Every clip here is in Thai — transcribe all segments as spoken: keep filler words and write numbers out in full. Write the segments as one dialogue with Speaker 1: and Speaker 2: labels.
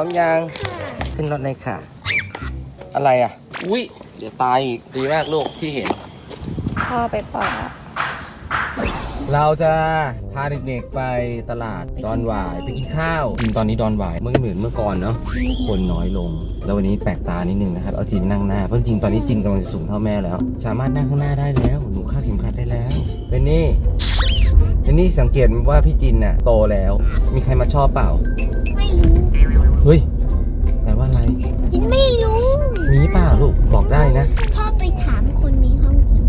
Speaker 1: มยังขึ้นรถเลยค่ะอะไรอ่ะอุ้ยเดี๋ยวตายอีกดีมากลูกที่เห็น
Speaker 2: พ่อไปปล่อย
Speaker 1: เราจะพาเด็กๆไปตลาดดอนหวายไปกินข้าวจริงตอนนี้ดอนหวายเมื่อเหมือนเมื่อก่อนเนาะคนน้อยลงแล้ววันนี้แปลกตานิดนึงนะครับเอาจีนนั่งหน้าเพราะจริงตอนนี้จีนกำลังจะสูงเท่าแม่แล้วสามารถนั่งข้างหน้าได้แล้วหนูคาดเข็มขัดได้แล้วเป็นนี่เป็นนี่สังเกตว่าพี่จินน่ะโตแล้วมีใครมาชอบเปล่า
Speaker 2: ไม่รู้
Speaker 1: เฮ้ยแปลว่าอะไร
Speaker 2: จินไม่รู้
Speaker 1: มีเปล่าลูกบอกได้นะ
Speaker 2: ชอบไปถามคนในห้องจิน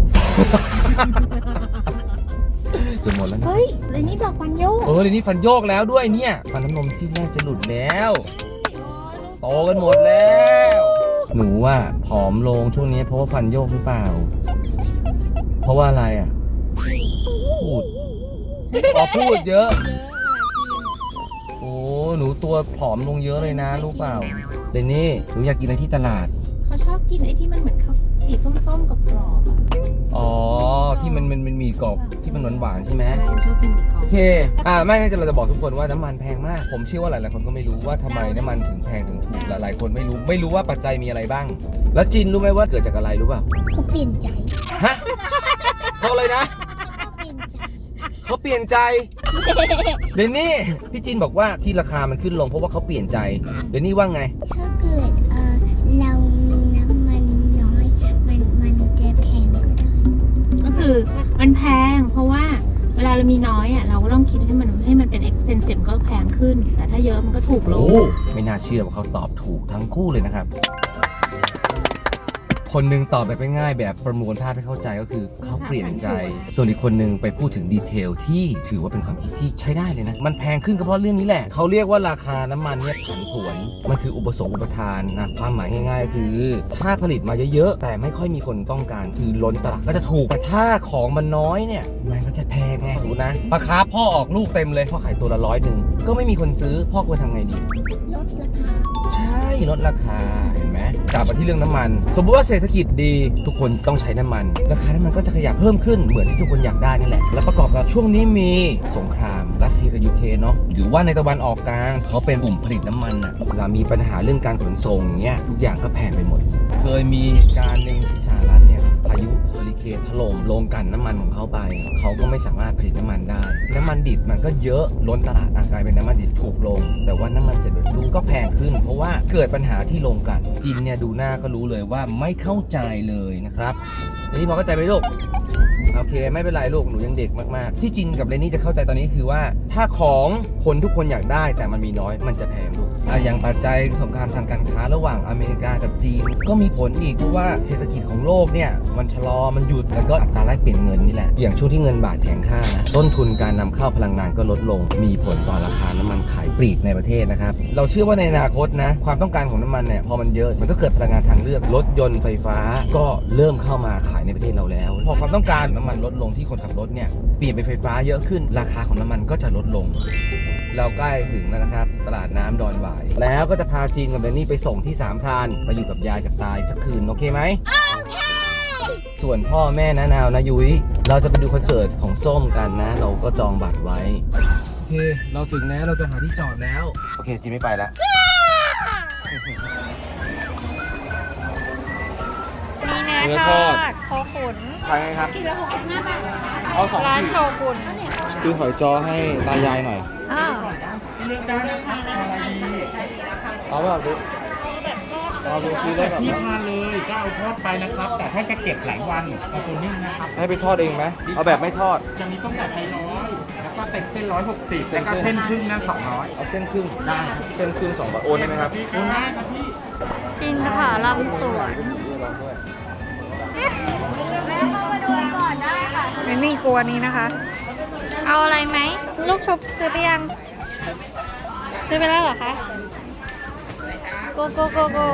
Speaker 1: จะหมดแล้วนะ
Speaker 2: เฮ้ยเลยนี่บอกฟันโยก
Speaker 1: เออเลยนี่ฟันโยกแล้วด้วยเนี่ยฟันน้ำนมซี่แรกจะหลุดแล้วโตกันหมดแล้วหนูว่าผอมลงช่วงนี้เพราะว่าฟันโยกหรือเปล่าเพราะว่าอะไรอ่ะพูดอ๋อพูดเยอะโอ้หนูตัวผอมลงเยอะเลยนะรู้เปล่าเดนนี่หนูอยากกินอะไรที่ตลาด
Speaker 2: เขาชอบกินไอ้ที่มันเหมือนเขาสีส้มๆกับกรอบ
Speaker 1: อ๋อที่มันมันมันมีกรอบที่มันหวานๆใช่ไหม
Speaker 2: ชอบกินมีกรอบ
Speaker 1: โอเคอ่าไม่ไม่จะเราจะบอกทุกคนว่าน้ำมันแพงมากผมเชื่อว่าหลายๆคนก็ไม่รู้ว่าทำไมน้ำมันถึงแพงถึงถูกหลายๆคนไม่รู้ไม่รู้ว่าปัจจัยมีอะไรบ้างแล้วจินรู้ไหมว่าเกิดจากอะไรรู้ป่ะ
Speaker 2: เขาเปลี่ยนใจ
Speaker 1: ฮะเขาอะไรนะเขาเปลี่ยนใจเดนนี่พี่จินบอกว่าที่ราคามันขึ้นลงเพราะว่าเขาเปลี่ยนใจเดนนี่ว่าไง
Speaker 2: ถ้าเกิดเออเรามีน้ำมันน้อยมันมันจะแพงก็ได้ก็คือมันแพงเพราะว่าเวลาเรามีน้อยอ่ะเราก็ต้องคิดให้มันให้มันเป็น expensive ก็แพงขึ้นแต่ถ้าเยอะมันก็ถูกลง
Speaker 1: ไม่น่าเชื่อว่าเขาตอบถูกทั้งคู่เลยนะครับคนหนึ่งตอบแบบง่ายๆแบบประมวลภาพให้เข้าใจก็คือเขาเปลี่ยนใจส่วนอีกคนหนึ่งไปพูดถึงดีเทลที่ถือว่าเป็นความคิดที่ใช้ได้เลยนะมันแพงขึ้นก็เพราะเรื่องนี้แหละเขาเรียกว่าราคาน้ำมันเนี่ยผันผวนมันคืออุปสงค์อุปทานนะความหมายง่ายๆก็คือถ้าผลิตมาเยอะๆแต่ไม่ค่อยมีคนต้องการคือล้นตลาดก็จะถูกแต่ถ้าของมันน้อยเนี่ยมันก็จะแพงไงดูนะราคาพ่อออกลูกเต็มเลยพ่อขายตัวละร้อยหนึ่งก็ไม่มีคนซื้อพ่อควรทำไงดี
Speaker 2: ลดราคา
Speaker 1: ใช่ลดราคาเห็นไหมกลับมาที่เรื่องน้ำมันสมมติว่าเศรษฐกิจดีทุกคนต้องใช้น้ำมันราคาน้ำมันก็จะขยับเพิ่มขึ้นเหมือนที่ทุกคนอยากได้นี่แหละและประกอบกับช่วงนี้มีสงครามรัสเซียกับยูเครนเนาะหรือว่าในตะวันออกกลางเขาเป็นกลุ่มผลิตน้ำมันอ่ะเวลามีปัญหาเรื่องการขนส่งอย่างเงี้ยทุกอย่างก็แพงไปหมดเคยมีเหตุการณ์หนึ่งที่สหรัฐเนี่ยพายุเฮอริเคนถล่มโรงกลั่นน้ำมันของเขาไปเขาก็ไม่สามารถผลิตน้ำมันได้น้ำมันดิบมันก็เยอะล้นตลาดกลายเป็นน้ำมันดิบถูกลงแต่ว่าน้ำมันสำเร็จรูปก็แพงขึ้นเพราะว่าเกิดปัญหาที่โรงกลั่นจีนเนี่ยดูหน้าก็รู้เลยว่าไม่เข้าใจเลยนะครับนี่พอเข้าใจไหมลูกโอเคไม่เป็นไรลูกหนูยังเด็กมากๆที่จินกับเรนนี่จะเข้าใจตอนนี้คือว่าถ้าของคนทุกคนอยากได้แต่มันมีน้อยมันจะแพงลูกอย่างปัจจัยสงครามทางการค้าระหว่างอเมริกากับจีนก็มีผลอีกเพราะว่าเศรษฐกิจของโลกเนี่ยมันชะลอมันหยุดแล้วก็อัตราแลกเปลี่ยนเงินนี่แหละอย่างช่วงที่เงินบาทแข็งค่านะต้นทุนการนำเข้าพลังงานก็ลดลงมีผลต่อราคาน้ำมันขายปลีกในประเทศนะครับเราเชื่อว่าในอนาคตนะความต้องการของน้ำมันเนี่ยพอมันเยอะมันก็เกิดพลังงานทางเลือกรถยนต์ไฟฟ้าก็เริ่มเข้ามาขายในประเทศเราแล้วพอความต้องการน้ำมันลดลงที่คนขับรถเนี่ยเปลี่ยนเป็นไฟฟ้าเยอะขึ้นราคาของน้ำมันก็จะลดลงเราใกล้ถึงแล้วนะครับตลาดน้ำดอนหวายแล้วก็จะพาจีนกับเดนนี่ไปส่งที่สามพรานไปอยู่กับยายกับตายสักคืนโอเคไหมโอเคส่วนพ่อแม่นะนาวนะยุ้ยเราจะไปดูคอนเสิร์ตของส้มกันนะเราก็จองบัตรไว้โอเคเราถึงแล้วเราจะหาที่จอดแล้วโอเคจีนไม่ไปแล้ว
Speaker 2: มีเนื้อทอดโคขุน
Speaker 1: ไปไงครับ
Speaker 2: กิโลหกสิบห้าบาท
Speaker 1: เอาสอง
Speaker 2: ร้านโชกุน
Speaker 1: คือหอยจอให้ตายายหน่อย
Speaker 2: อ้าว
Speaker 1: เอาแบบดูเอาดูซื้อได้แบบ
Speaker 3: ที่ทานเลยก็เอาทอดไปนะครับ แต่ถ้าจะเก็บหลายวันเอาตัวนึ่งนะครับ
Speaker 1: ให้ไปทอดเองไหมเอาแบบไม่ทอด
Speaker 3: จะมีต้มแบบไทยร้อยแล้วก็เต็มเส้นร้อยหกสิบแล้วก็เส้นครึ่งนั่นสองร้อย
Speaker 1: เอาเส้นครึ่ง
Speaker 3: ได้
Speaker 1: เส้นครึ่งสองบาทโอนได้ไหมครับ
Speaker 3: โอนได้ครับพี่
Speaker 2: จินสถาลำสวนแม่เข้ามาดูก่อนได้ค่ะไม่มีกลัวนี้นะคะเอาอะไรไหมลูกชุบซื้อไปยังซื้อไปแล้วเหรอคะโกโกโกโก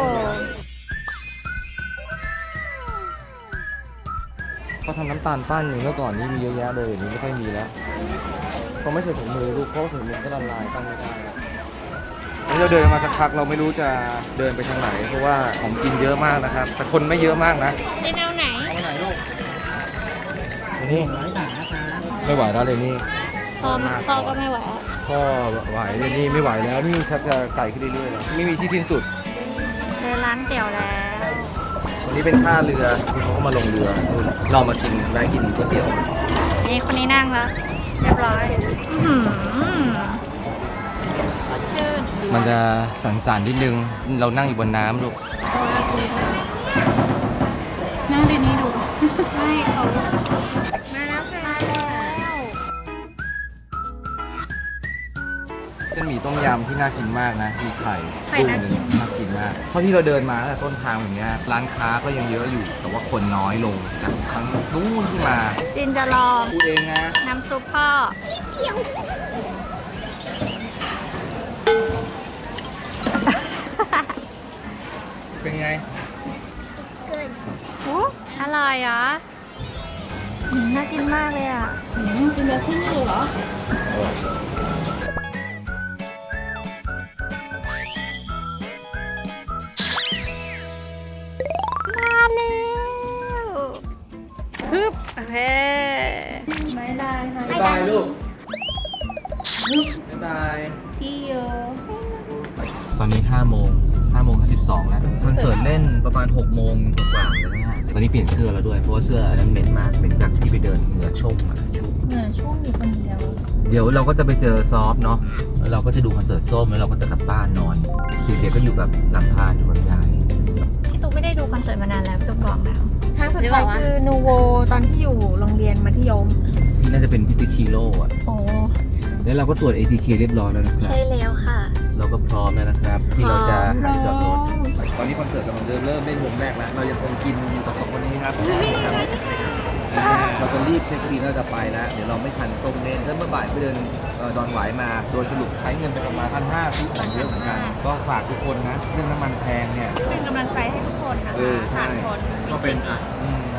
Speaker 1: เขาทำน้ำตาลปั้นอย่างเมื่อก่อนนี้มีเยอะแยะเลยอย่างนี้ไม่ค่อยมีแล้วเขาไม่ใส่ถุงมือลูกเพราะใส่ถุงมือก็ละลายตั้งไม่ได้นี่เราเดินมาสักพักเราไม่รู้จะเดินไปทางไหนเพราะว่าของกินเยอะมากนะครับแต่คนไม่เยอะมากนะ
Speaker 2: จะเอาไหน
Speaker 1: เอาไหนลูกนี่ไม่ไหวแล้วเลยนี่
Speaker 2: พ่อพ่อก็ไม่ไหวอ่ะ
Speaker 1: พ่อไหวเลยนี่ไม่ไหวแล้วนี่ชักจะไก่ขึ้นเรื่อยๆแล้วไม่มีที่สิ้นสุด
Speaker 2: เจอร้านเตี๋ยวแล้ว
Speaker 1: วันนี้เป็นท่าเรือที่เขาก็มาลงเรือนู่นเรามากินแวะกินก๋วยเตี๋ยว
Speaker 2: นี่คนนี้นั่งแล้วเรียบร้อยอื้อหือสดชื่น
Speaker 1: มันจะสั่นๆนิดนึงเรานั่งอยู่บนน้ำลูก
Speaker 2: นั่งดีนี้ดูไม่เขามาแล้วค่ะมาแล้ว
Speaker 1: เส้นหมี่ต้มยำที่น่ากินมากนะมีไข่
Speaker 2: ไข่น่ากิน
Speaker 1: น่ากินมากเพราะที่เราเดินมาตั้งแต่ต้นทางแบบเนี้ยร้านค้าก็ยังเยอะอยู่ แต่ว่าคนน้อยลงจากครั้งนู้นที่มา
Speaker 2: จินจะลอง
Speaker 1: พูดเองนะ
Speaker 2: น้ำซุปพ่อเดียว
Speaker 1: เป็นไง
Speaker 2: โอ้อร่อยเหรออืมน่ากินมากเลยอ่ะอืมกินแบบที่นี่เหรอ มาแล้วฮึบโอเคไม่ได้ค่ะ
Speaker 1: บ๊ายบายลูกบ๊ายบาย
Speaker 2: See you
Speaker 1: ตอนนี้ห้าโมงห้าโมงห้าสิบสองแล้วคอนเสิร์ตเล่นประมาณหกโมงกว่าแล้วนะฮะตอนนี้เปลี่ยนเสื้อแล้วด้วย เพราะว่าเสื้ออันนั้นเหม็นมากเหม็นจากที่ไปเดินเหงื่อชุ่มอ่ะชุ่ม
Speaker 2: เหนื่อยช่วงอยู่คนเดียว
Speaker 1: เดี๋ยวเราก็จะไปเจอซอฟต์เนาะแล้วเราก็จะดูคอนเสิร์ตส้มแล้วเราก็จะกลับบ้านนอนเด็กๆก็อยู่กับสัมภาษณ์อยู่กับยาย
Speaker 2: พี่ตุ๊กไม่ได้ดูคอนเสิร์ตมานานแล้วพี่ตุ๊กบอกแล้ว
Speaker 4: ครั้งสุดท้ายคือนูโวตอนที่อยู่โรงเรียนมัธยม
Speaker 1: ที่น่าจะเป็นพิติคิโลอ่ะ
Speaker 2: โอ้
Speaker 1: แล้วเราก็ตรวจ เอ ที เค เรียบร้อยแล้วนะครับ
Speaker 2: ใช่แล้วค่ะ
Speaker 1: เราก็พร้อมแล้วนะครับ ที่เราจะ
Speaker 4: พร้
Speaker 1: หา
Speaker 4: อม
Speaker 1: จอดรถ ตอนนี้คอนเสิร์ตกำลังเริ่มเริ่มเล่นวงแรกแล้ว เรายังคงกินอยู่กับสองคนนี้ครับ เราจะรีบเช็คบิลแล้วจะไปแล้ว เดี๋ยวเราไม่ทันส้มเล่นแล้วเมื่อบ่ายไปเดินเอ่อดอนหวายมา โดยสรุปใช้เงินไปประมาณพันห้าซื้อของเยอะเหมือนกัน ก็ฝากทุกคนนะ เรื่องน้ำมันแพงเนี่ย
Speaker 4: เป็นกำลังใจให้ทุกคนนะ
Speaker 1: เอ
Speaker 4: คะ
Speaker 1: อใช่
Speaker 4: ผ่านพ้น
Speaker 1: ก็เป็นอ่ะอืม